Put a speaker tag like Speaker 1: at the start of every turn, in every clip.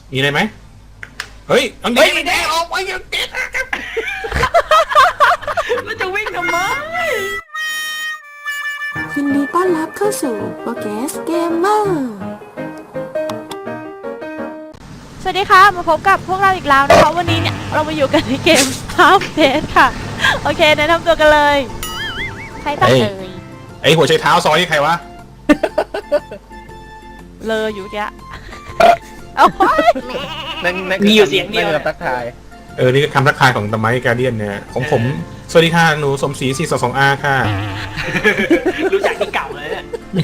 Speaker 1: มีอะไรไหมเฮ้ยอังเด็กออกไปยังเด็ก
Speaker 2: แล้วจะวิ่งทำไม
Speaker 3: ยินดีต้อนรับเข้าสู่โปรแกสเกมเมอร์
Speaker 4: สวัสดีค่ะมาพบกับพวกเราอีกแล้วนะคะวันนี้เนี่ยเรามาอยู่กันในเกม Half Dead ค่ะโอเคแนะนำตัวกันเลยใครตั้งเลย
Speaker 1: ไอหัวใจเท้าซอยนี่ใครวะ
Speaker 4: เลยอยู่แกเอา
Speaker 2: มีอยู่เสียงเดียว
Speaker 5: ทักทาย
Speaker 1: นี่คือคำทักทายของตะไมการเดียนเนี่ยของผมสวัสดีค่ะหนูสมศรี422R ค่ะ
Speaker 2: รู้จักที่เก่าเลยเนี่ย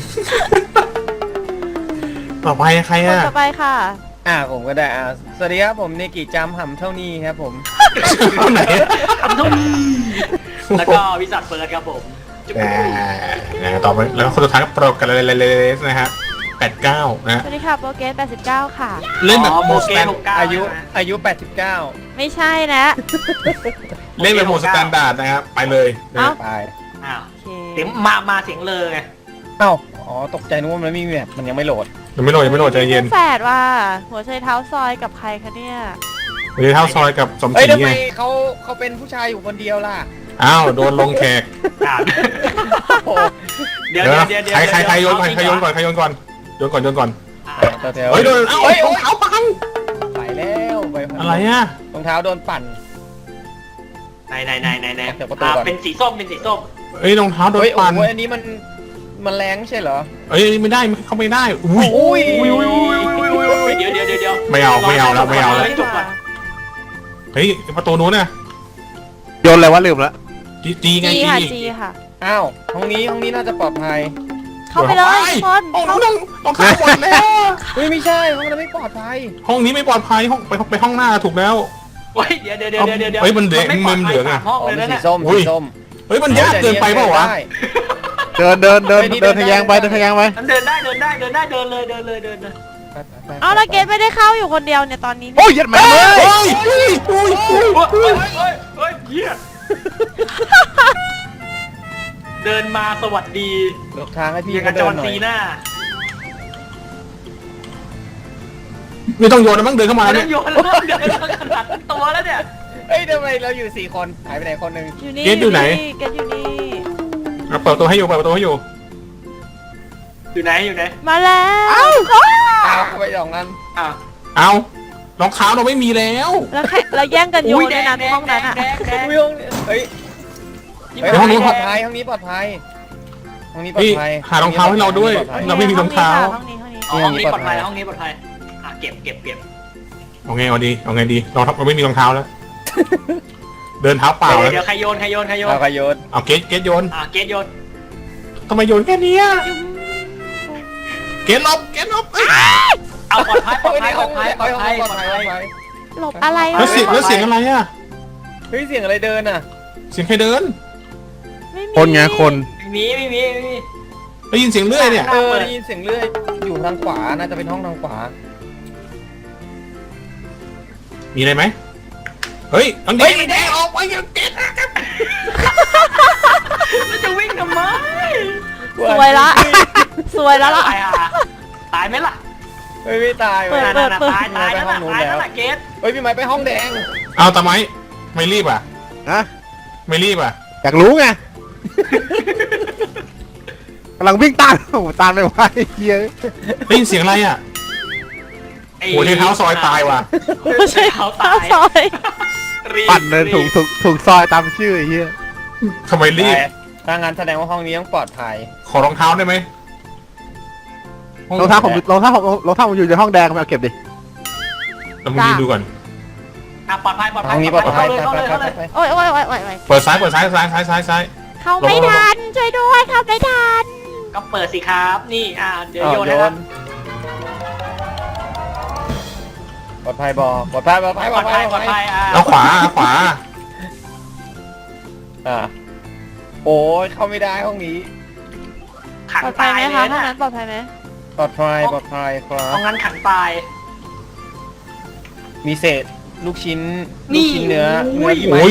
Speaker 1: ต่อไปใครอ่ะ
Speaker 4: ต่อไปค่ะ
Speaker 5: ผมก็ได้สวัสดีครับผมเนกิจำห่ำเท่านี้ครับผม
Speaker 1: คนไหน
Speaker 2: ทำทุ่มแล้วก็วิสัทเฟิร์สครับผม
Speaker 1: ต่อไปแล้วคนสุดท้ายก็โปรกันเลยนะฮะ89นะ
Speaker 4: สวัสดีค่ะโปรเกส89ค่ะ
Speaker 1: เล่นแบบโหมดสแตน
Speaker 5: อายุ89
Speaker 4: ไม่ใช่นะ
Speaker 1: เล่นแบบโหมดสแตนดาร์ดนะครับไปเลย
Speaker 5: ไป
Speaker 2: เสียงมาเสียงเลยไง
Speaker 5: ตกใจนึกว่ามันไม่มีแบบมันยังไม่โหลด
Speaker 1: ใจเย็น
Speaker 4: แฝดว่าหัวใจเท้าซอยกับใครคะเนี่ย
Speaker 1: หัวใจเท้าซอยกับสมศรี
Speaker 5: ทำไมเขาเป็นผู้ชายอยู่คนเดียวล่ะ
Speaker 1: โดนลงแขก
Speaker 2: เดี๋ยว
Speaker 1: ใครโยนก่อนโยนก่อนเฮ้ยโดนรองเท้าปัง
Speaker 5: ไปแล้ว
Speaker 1: อะไรอ่ะ
Speaker 5: รองเท้าโดนปั่น
Speaker 2: ไหนเป็นสีส้ม
Speaker 1: รองเท้าโดนปั่น
Speaker 5: อันนี้มันแรงใช่เหรอ
Speaker 1: ไม่ได้เข้าไม่ได้
Speaker 5: เ
Speaker 2: ดี๋ยว
Speaker 1: ไม่เอาแล้วเฮ้ยประตูนู้นน่ะ
Speaker 5: โยนอะไรวะลืมละ
Speaker 1: จีไง
Speaker 4: จีค่ะ
Speaker 5: ห้องนี้น่าจะปลอดภัย
Speaker 4: เข้าไปเลยคน
Speaker 1: ต้องเข้าหมดแล้ว
Speaker 5: ไม่ใช่ห้องนั้นไม่ปลอดภัย
Speaker 1: ห้องนี้ไม่ปลอดภัยไปห้องหน้าถูกแล้ว
Speaker 2: เดี๋ยว
Speaker 1: มันเหลืองอ่ะ
Speaker 5: สีส้ม
Speaker 1: เฮ้ยมันยากเกินไปเปล่าวะ
Speaker 5: เดินทะแยงไป
Speaker 2: เดินได้เดินเลย
Speaker 4: แล้วเกสไม่ได้เข้าอยู่คนเดียวเนี่ยตอนนี้
Speaker 5: โอ้ยยัดแม่เลย
Speaker 2: เหี้ยเดินมาสวัสดี
Speaker 5: หลบทางให้พี่
Speaker 2: กระจรซีหน้า
Speaker 1: ไม่ต้องโยนนะมั้งเดินเข้ามาเนี่ย
Speaker 2: โยนแล้วเดินขนาดตัวแล้วเนี่ย
Speaker 5: ทำไมเราอยู่4คนหายไปไหนคนนึง
Speaker 1: เกสอยู่ไหน
Speaker 4: เกสอยู่นี่
Speaker 1: เปิดประตูให้อยู่
Speaker 2: อยู่ไหน
Speaker 4: มาแล้ว
Speaker 5: ไปสองนั้น
Speaker 1: รองเท้าเราไม่มีแล้ว
Speaker 4: เราแย่งกันโยนในนั้นห้องนั้นอ่ะ
Speaker 5: ห้องนี้ปลอดภัยห้องนี้ปลอดภัย
Speaker 1: หารองเท้าให้เราด้วยเราไม่มีรองเท้า
Speaker 2: ห้องนี้ปลอดภัยเก็บ
Speaker 1: เอาไงดีเราไม่มีรองเท้าแล้วเดินเท้าเปล่าแล้ว
Speaker 2: เดี๋ยวใครโยน
Speaker 1: เอาเกสโยนทำไมโยนแค่นี้เกสลบ
Speaker 2: เอาปลอดภัย
Speaker 4: หลบอะไร
Speaker 1: แล้วเสียงอะไรอ่ะ
Speaker 5: เสียงอะไรเดินอ่ะ
Speaker 1: เสียงใครเดิน
Speaker 5: คนไงคน
Speaker 2: ไม่มี
Speaker 1: ได้ยินเสียงเลื่อยเนี่ย
Speaker 5: ได้ยินเสียงเลื่อยอยู่ทางขวาน่าจะเป็นห้องทางขวา
Speaker 1: มีอะไรไหมเฮ้ยอังเด็กออกไปยังเด็ก
Speaker 2: แล้วจะวิ่งทำไม
Speaker 4: สวยแล้ว
Speaker 2: ตายไหมล่ะ
Speaker 5: ไม่ตาย
Speaker 2: ตายแล้วห้องนู้นแล้วเกส
Speaker 5: พี่ไม้ไปห้องแดง
Speaker 1: เอาตาไม้ไม่รีบอ่ะไม่รีบอ่ะ
Speaker 5: อยากรู้ไงกำลังวิ่งตามไม่ไหว
Speaker 1: ได้ยินเสียงอะไรอ่ะหัวใจเท้าซอยตายว่ะ
Speaker 2: หัวใจเท้าตาย
Speaker 5: ปั่นเลยถูกซอยตามชื่อไอ้เหี้ย
Speaker 1: ทำไมรีบ
Speaker 5: ถ้างั้นแสดงว่าห้องนี้ต้องปลอดภัย
Speaker 1: ขอรองเท้าได้ไหม
Speaker 5: รองเท้าผมอยู่ในห้องแดงมาเก็บดิ
Speaker 1: เรามาดูก่อน
Speaker 2: ปลอดภัย
Speaker 5: ห้องนี้ปลอดภัย
Speaker 4: โอ้ย
Speaker 1: เปิดซ้าย
Speaker 4: เข้าไม่ทันช่วยด้วยเข้าไม่ทัน
Speaker 2: ก็เปิดสิครับนี่เดี๋ยวโยนให้
Speaker 5: ปลอดภัยปลอดภัย
Speaker 1: แล้วขวา
Speaker 5: โอ้ยเข้าไม่ได้ห้องนี้
Speaker 4: ปลอดภัยไหมคะห้องนั้นปลอดภัยไหม
Speaker 5: ปลอดภัยครับ
Speaker 2: ห้องนั้นขังตาย
Speaker 5: มีเศษลูกชิ้นเนื้อ
Speaker 1: โอ้ย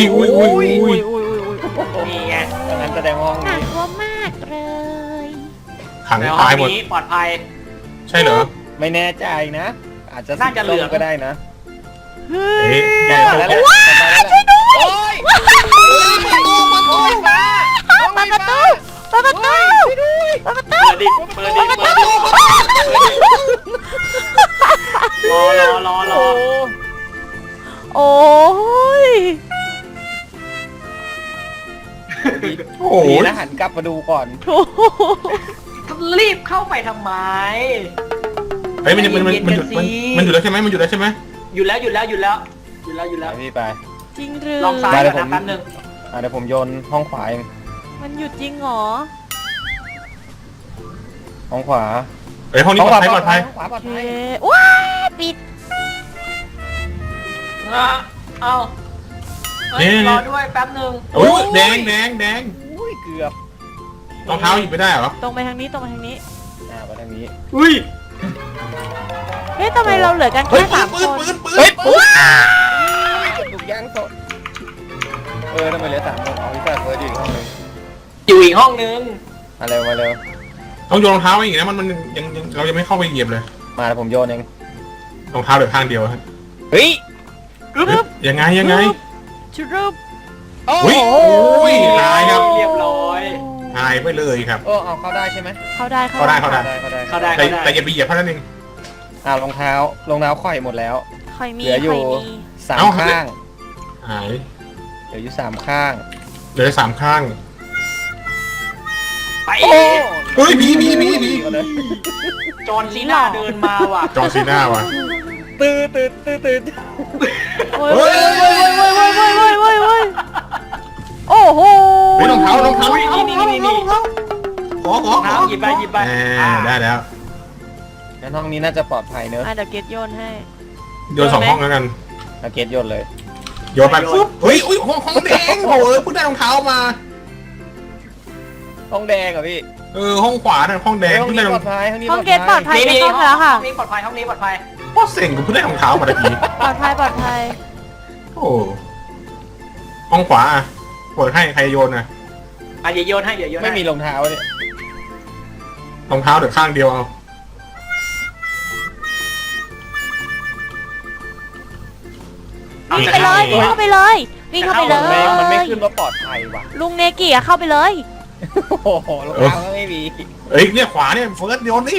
Speaker 2: นี่ไง
Speaker 5: งั้นแสดงห้องนี้
Speaker 4: น่ากลัวมากเลย
Speaker 1: ขังตายหมด
Speaker 2: ปลอดภัย
Speaker 1: ใช่เหรอ
Speaker 5: ไม่แน่ใจนะอาจจะ
Speaker 2: น่าจะเหลือง
Speaker 5: ก็ได้นะ
Speaker 4: เฮ้
Speaker 1: เฮ้
Speaker 4: ย
Speaker 1: ยเดี๋ยว
Speaker 5: มาแล้วช่วยด้วยโอ้ยประตูฟ้า
Speaker 4: เปิดประตูเปิดประตูเปิดประตู
Speaker 2: เปิดดิเปิดดิเปิดดิรอ
Speaker 4: โอ้ย
Speaker 1: โอ้โห
Speaker 5: ดีนะหันกลับมาดูก่อน
Speaker 4: โถ่
Speaker 2: รีบเข้าไปทำไม
Speaker 1: เฮ้ยมันอยู่แล้วใช่ไหมมันอยู่แล้วใช่ไหม
Speaker 2: อยู่แล้ว
Speaker 5: ไปพี่ไป
Speaker 4: จริงหรือ
Speaker 2: ลองซ้าย
Speaker 5: ได้
Speaker 2: ก่อน
Speaker 5: ผม
Speaker 2: นะแป๊บนึง
Speaker 5: เดี๋ยวผมโยนห้องขวาเอง
Speaker 4: มันหยุดจริงเหรอ
Speaker 5: ห้องขวา
Speaker 1: เฮ้ยห้องนี้ปลอดภัยปลอดภัย
Speaker 5: ห้องขวาปลอด
Speaker 4: โอเค
Speaker 5: ภัย
Speaker 4: ว้ายปิด
Speaker 2: เอารอด้วยแป๊บนึง
Speaker 1: โอ้ยแดง
Speaker 5: อุ้ยเกือบ
Speaker 1: รองเท้าหยิบไม่ได้เหรอ
Speaker 4: ตรงไปทางนี้ตรงไปทางนี้
Speaker 5: ไปทางนี้
Speaker 2: อุ้ย
Speaker 4: เฮ้ยทำไมเราเหลือกัน
Speaker 1: เฮ้ย
Speaker 4: แค่
Speaker 1: ปืน
Speaker 4: 3 คน
Speaker 1: เฮ้ยปืน
Speaker 5: ถูกย่างสดทำไมเหลือ3 คนเอาพี่แฟร์เฟิร์สอยู่อีกห้องนึง
Speaker 2: อยู่อีกห้องนึง
Speaker 5: มาเร็ว
Speaker 1: ต้องโยนรองเท้าไว้อีกนะมันยังเรายังไม่เข้าไปเหยียบเลย
Speaker 5: มาแล้วผมโยนเอง
Speaker 1: รองเท้าเหลือข้างเดียวฮะ
Speaker 5: เฮ้ย
Speaker 1: ยังไง
Speaker 4: ชุดรูป
Speaker 1: อุ้ยอุ้ยหายครับ
Speaker 2: เรียบร้อย
Speaker 1: หายไปเลยครับ
Speaker 5: เอาเข้าได้ใช่ไหม
Speaker 4: เข้าได้
Speaker 1: เข้าได้
Speaker 2: เข้าได้
Speaker 1: แต่อย่าไปเหยียบเท่านั้นเอง
Speaker 5: รองเท้ข่อยหมดแล้ว
Speaker 4: คอยมี
Speaker 5: เหลืออยู่
Speaker 4: คอยมี
Speaker 5: 3 ข้าง
Speaker 1: หาย
Speaker 5: เหลืออยู่3 ข้าง
Speaker 1: เหลือ3ข้าง
Speaker 2: ไป
Speaker 1: เฮ้ยผี
Speaker 2: จอห์นซีน่าเดินมาว่ะ
Speaker 1: จอร์ซีน่าว่ะ
Speaker 5: ตื่น
Speaker 4: โอ้ยโอ้โห
Speaker 1: เฮ้ยรองเท้า
Speaker 2: นี่
Speaker 1: ขอ
Speaker 2: น้ำหยิบไป
Speaker 1: ได้แล้ว
Speaker 5: งั้นห้องนี้น่าจะปลอดภัยเนอะ
Speaker 4: เดี๋ยวเกตโยนให้
Speaker 1: โยน2 ห้องแล้วกัน
Speaker 5: เอาเกตโยนเลย
Speaker 1: โยนไปปุ๊บเฮ้ยอุ้ยห้องแดงโอ้ยเพิ่งได้รองเท้ามา
Speaker 5: ห้องแดงเหรอพี่
Speaker 1: ห้องขวาน่ะห้องแดง
Speaker 5: ห้อง
Speaker 1: เพิ่ง
Speaker 5: นี้
Speaker 1: ได้ร
Speaker 5: ป
Speaker 1: อ
Speaker 5: ลอง ดภัยห้องนี้
Speaker 4: ห้องเกตปลอดภัย
Speaker 2: นี่
Speaker 4: ไม่ต้องแล้วค่ะ
Speaker 2: ห้องนี้ปลอดภัยห้องนี้ปลอดภัย
Speaker 1: พ่อเซ็งกูเพิ่งได้รองเท้ามาตะกี้
Speaker 4: ปลอดภัย
Speaker 1: โอ้ห้องขวาอ่ะเปิดให้ใครโยนนะ
Speaker 2: เดี๋ยวโยนให้
Speaker 5: ไม่มีรองเท้าเนี่ย
Speaker 1: รองเท้าเดี๋ยวข้างเดียวเอา
Speaker 4: วิ่งไปเลยวิ่งเข้าไปเลยวิ่งเข้าไปเล
Speaker 5: มันไม่
Speaker 4: ย
Speaker 5: ขึ้นว่าปลอดภัยว่ะ
Speaker 4: ลุงเนกิอะเข้าไปเลย
Speaker 5: โอ้โหรองเท้าก็ไม่มี
Speaker 1: เอ้ยเนี่ยขวาเนี่ยเฟิร์สโยนดิ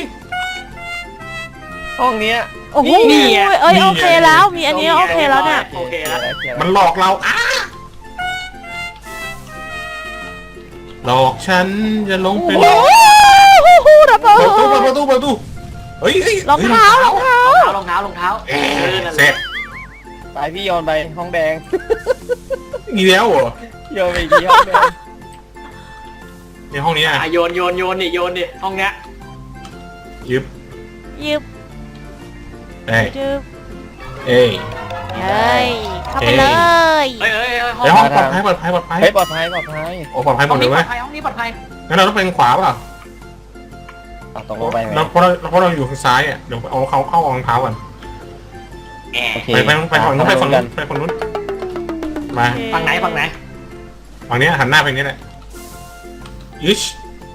Speaker 5: ห้องเนี้ย
Speaker 4: โอ้โหโอเคแล้วมีอันนี้โอเคแล้วเนี่ย
Speaker 2: โอเคแล้ว
Speaker 1: มันหลอกเราหลอกฉันจะลงไปหลอก
Speaker 4: ระเบิ
Speaker 1: ประตูเฮ้ย
Speaker 4: รองเท้าร
Speaker 2: องเท้า
Speaker 1: เสร็จ
Speaker 5: ไปพี่โยนไปห้องแดง
Speaker 1: อีกแล้วเหรอ
Speaker 5: โยนไปอีกที่ห้องแดง
Speaker 1: ในห้องนี้อ่ะ
Speaker 2: โยนดิห้องเนี้ย
Speaker 1: ยึบ
Speaker 4: ยิบ
Speaker 1: เอ้ย
Speaker 4: จึ๊บ
Speaker 1: เอ้ย
Speaker 4: เฮ้ยเข้าไปเลย
Speaker 2: เฮ้ย
Speaker 1: ในห้องปลอดภัย
Speaker 5: เฮ้ยปลอดภัย
Speaker 1: โอ้ปลอดภัยหม
Speaker 2: ห้
Speaker 1: ด
Speaker 2: อง
Speaker 1: เล
Speaker 2: นี้
Speaker 1: ย
Speaker 2: ปล
Speaker 1: ไหม
Speaker 2: อดภัยห้องนี้ปลอดภัย
Speaker 1: งั้นเราต้องไปขวาเปล่า
Speaker 5: ตรงลงไปไหม
Speaker 1: เพราะเราอยู่ทางซ้ายอ่ะเดี๋ยวเอาเขาเข้ารองเท้าก่อน
Speaker 5: โอเค
Speaker 1: ไปฝั่งนู้นไปฝั่งนู้นมา
Speaker 2: ฝั่งไหน
Speaker 1: ฝั่งนี้หันหน้าไปนี้แหละอิช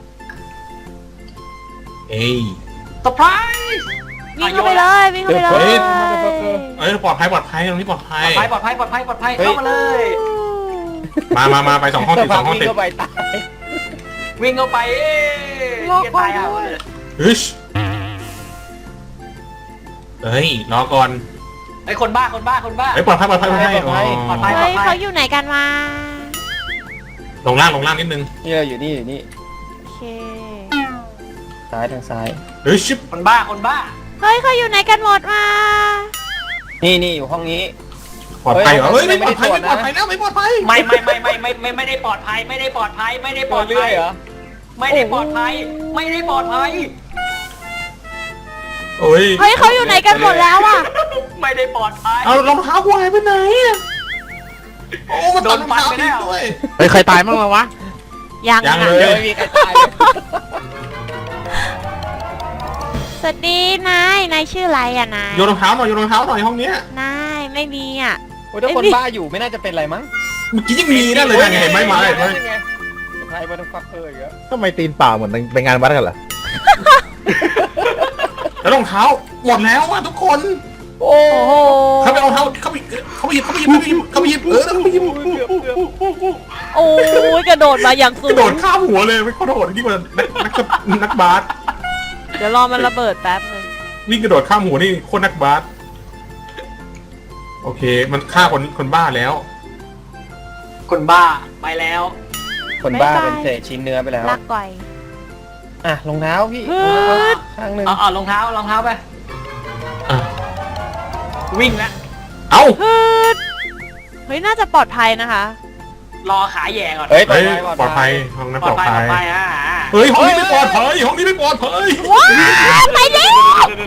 Speaker 1: เอ้ย
Speaker 2: เซอร์ไพรส์
Speaker 4: วิ่งเข้าไปเลยวิ่งเข้าไปเลย
Speaker 1: ปลอดภัยตรงนี้ปลอดภัย
Speaker 2: ปลอดภัยเข้ามาเลย
Speaker 1: มาไป2 ห้องติด2 ห้องติด
Speaker 5: วิ่เข้าไปตาย
Speaker 2: วิ่งเข้าไปเกียร์ตายอ่ะ
Speaker 1: อิชเฮ้ยรอก่อน
Speaker 2: ไอ้คนบ้า
Speaker 1: ปลอดภัยให้
Speaker 2: ปลอดภัย
Speaker 4: เฮ้ยเขาอยู่ไหนกันมา
Speaker 1: ลงล่างนิดนึง
Speaker 5: นี่เราอยู่นี่
Speaker 4: โอเค
Speaker 5: ซ้ายทางซ้าย
Speaker 1: เฮ้ยชิป
Speaker 2: คนบ้า
Speaker 4: เฮ้ยเขาอยู่ไหนกันหมดมา
Speaker 5: นี่อยู่ห้องนี้
Speaker 1: ปลอดภัยเหรอเฮ้ยไม่ปลอดภัยแล้วไม่ปลอดภัย
Speaker 2: ไม่ได้ปลอดภัยไม่ได้ปลอดภัย
Speaker 5: เรื่อยเหรอ
Speaker 2: ไม่ได้ปลอดภัย
Speaker 1: โอ้ย
Speaker 4: เฮ้ยเขาอยู่ไหนกันหมดแล้วอ่ะ
Speaker 2: ไม่ได้ปลอดภัย
Speaker 1: เอารองเท้ากูหายไปไหนโอ้มันโดนฟันไปแล้วด้วย
Speaker 6: เฮ้ยใครตายบ้างวะ
Speaker 4: ยัง
Speaker 1: ยัง
Speaker 4: อ่ะ
Speaker 1: เลย
Speaker 5: ไม่มีใครตายเลย
Speaker 4: สวัสดีนายชื่ออะไรอ่ะนาย
Speaker 1: โยนรองเท้าหน่อยห้องเนี้ย
Speaker 4: นายไม่มีอ่ะ
Speaker 5: ถ้าคนบ้าอยู่ไม่น่าจะเป็นไรมั้ง
Speaker 1: เมื่อกี้ยังมีนั่นเลยนะเห็นไหมมาเลย
Speaker 5: ใครมาต้องฟักเยอะ
Speaker 6: ทำไมตีนเปล่าเหมือนไปงานวัดกันเหรอ
Speaker 1: แล้วรองเท้าหมดแล้วอ่ะทุกคน
Speaker 5: โอ้
Speaker 4: โอ้โห
Speaker 1: เขาไปเอาเท้าเขาไปหยิบเขาไปหยิบเขาไปหยิบเขาไปหยิบ
Speaker 5: เกือบ
Speaker 4: โอ้ยกระโดดมาอย่างสู
Speaker 1: กระโดด
Speaker 4: ง
Speaker 1: ข้ามหัวเลยไม่เขาโดดยิ่งกว่านักบาส
Speaker 4: เดี๋ยวรอมันระเบิดแป๊บนึง
Speaker 1: วิ่งกระโดดข้ามหัวนี่โคตรนักบาสโอเคมันฆ่าคนบ้าแล้ว
Speaker 2: คนบ้าไปแล้ว
Speaker 5: คนบ้าเป็นเศษชิ้นเนื้อไปแล้ว
Speaker 4: ลากก่อย
Speaker 5: อ่ะรองเท้าพี่
Speaker 4: ฮึด
Speaker 5: ข้างหนึ่ง
Speaker 2: เอารองเท้าไป
Speaker 1: อ่ะ
Speaker 2: วิ่งแล้ว
Speaker 1: เอ้า
Speaker 4: ฮึดเฮ้ยน่าจะปลอดภัยนะคะ
Speaker 2: รอขาแย่ก่อน
Speaker 5: เฮ้ย
Speaker 1: เฮ้ยปลอดภัยห้องนั้น
Speaker 2: ป
Speaker 1: ป
Speaker 2: ล
Speaker 1: ล
Speaker 2: อ
Speaker 1: อ
Speaker 2: ด
Speaker 1: ด
Speaker 2: ภัย
Speaker 1: ภัย
Speaker 2: เฮ้ย
Speaker 1: เฮ้ยห้องนี้ไม่ปลอดภัยห้องนี้ไม่ปลอดภัย
Speaker 4: ว้าวไปเร็ว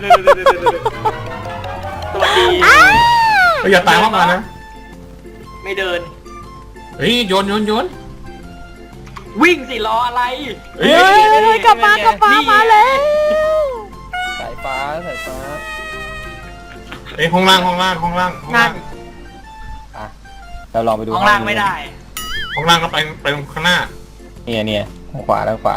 Speaker 2: สวัสดี
Speaker 1: อย่าตายห้องมานะ
Speaker 2: ไม่เดิน
Speaker 1: เฮ้ยโยน
Speaker 2: วิ่งสิรออะไร
Speaker 1: เฮ้
Speaker 4: เฮ้
Speaker 1: ย
Speaker 4: ยกลับมามาแล้ว
Speaker 5: สายฟ้า
Speaker 1: เฮ้ยห้องล่าง
Speaker 4: นั่น
Speaker 5: อ่ะเราลองไปดู
Speaker 2: ข้างล่างไม่ได้
Speaker 1: ห้องล่างก็ไปข้างหน้า
Speaker 5: เนี่ยทางขวาได้เปล่า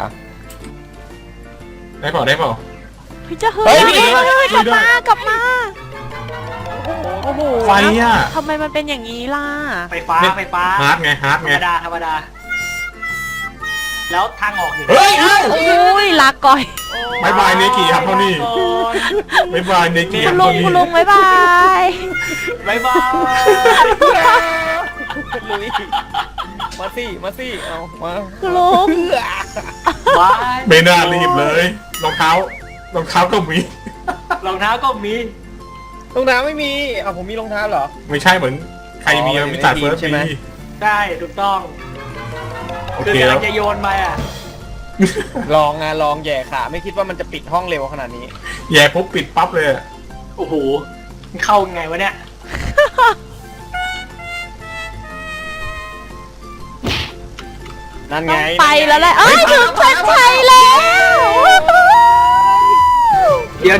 Speaker 1: ได้เปล่า
Speaker 4: เฮ้ยจะเฮ้
Speaker 5: เฮ้
Speaker 4: ย
Speaker 5: ย
Speaker 4: กลับมาโอ้โห
Speaker 1: ไฟอ่ะ
Speaker 4: ทำไมมันเป็นอย่างนี้ล่ะ
Speaker 2: ไฟฟ้า
Speaker 1: ฮาร์ดไง
Speaker 2: ธรรมดา แล้วทางออกอยู่
Speaker 1: เฮ้ยเอ้า
Speaker 4: โอ้ยลากก่อย
Speaker 1: บายบายเนกิครับเท่านี้บายบายเนกิค
Speaker 4: คุ
Speaker 1: รับ
Speaker 4: ณลุ
Speaker 1: เท่าง นี้
Speaker 4: คุณลุงบ๊ายบาย
Speaker 2: บ๊ายบาย
Speaker 5: ลุยมาสิเอามา
Speaker 4: คุณลุง
Speaker 2: บาย
Speaker 1: ไม่น่ารีบเลยรองเท้าก็มี
Speaker 2: รองเท้าก็มี
Speaker 5: รองเท้าไม่มีเอาผมมีรองเท้าเหรอ
Speaker 1: ไม่ใช่เหมือนใครมีมิสเตอร์เฟิร์ส
Speaker 5: ใช่ไหม
Speaker 1: มี
Speaker 2: ได้ถูกต้อง
Speaker 1: โอ
Speaker 2: คือ
Speaker 1: เค
Speaker 2: กำ
Speaker 1: แล้
Speaker 2: ลั
Speaker 1: ว
Speaker 2: งจะโยนไปอ่ะ
Speaker 5: ลองแย่ขาไม่คิดว่ามันจะปิดห้องเร็วขนาดนี้
Speaker 1: แย่ปุ๊บปิดปั๊บเลยอะ
Speaker 2: โอ้โหมันเข้าไงวะเนี่ย
Speaker 5: นั่น
Speaker 4: ต้
Speaker 5: ไง
Speaker 4: องไปแล้วแหละเอ้ยถึงเส้นชัยแล้ว
Speaker 2: เดี๋ยว
Speaker 4: เย้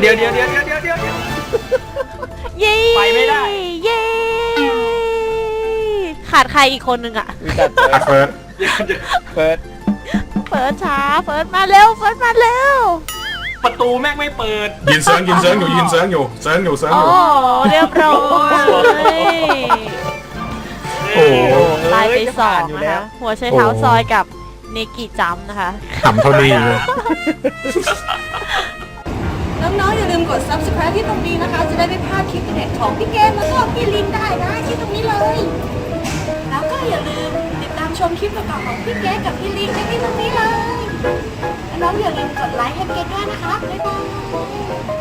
Speaker 2: ไปไม่ได้
Speaker 4: เย้ขาดใครอีกคนนึงอะ
Speaker 5: วิจัด
Speaker 1: อ่ะเฟิร์ส
Speaker 5: เปิด
Speaker 4: เฟิร์สช้าเฟิร์สมาเร็วเฟิร์สมาเร็ว
Speaker 2: ประตูแม่งไม่เปิด
Speaker 1: ยินเซิร์งอยู่เซิร์งอยู่
Speaker 4: โอ้เรียบร้อย
Speaker 1: โอ้โห
Speaker 4: ตายไปสองนะคะหัวใช้เท้าซอยกับเนกิจัมป์นะคะ
Speaker 1: ขำเท่านี้เลย
Speaker 3: น้องๆอย่าลืมกด subscribe ที่ตรงนี้นะคะ จะได้ไม่พลาดคลิปเด็ดของพี่เกมแล้วก็พี่ลินได้นะที่ตรงนี้เลย แล้วก็อย่าลืมติดตามชมคลิปต่อๆของพี่เกมกับพี่ลินได้ที่ตรงนี้เลยและน้องอย่าลืมกดไลค์ให้เกมด้วยนะคะบ๊ายบาย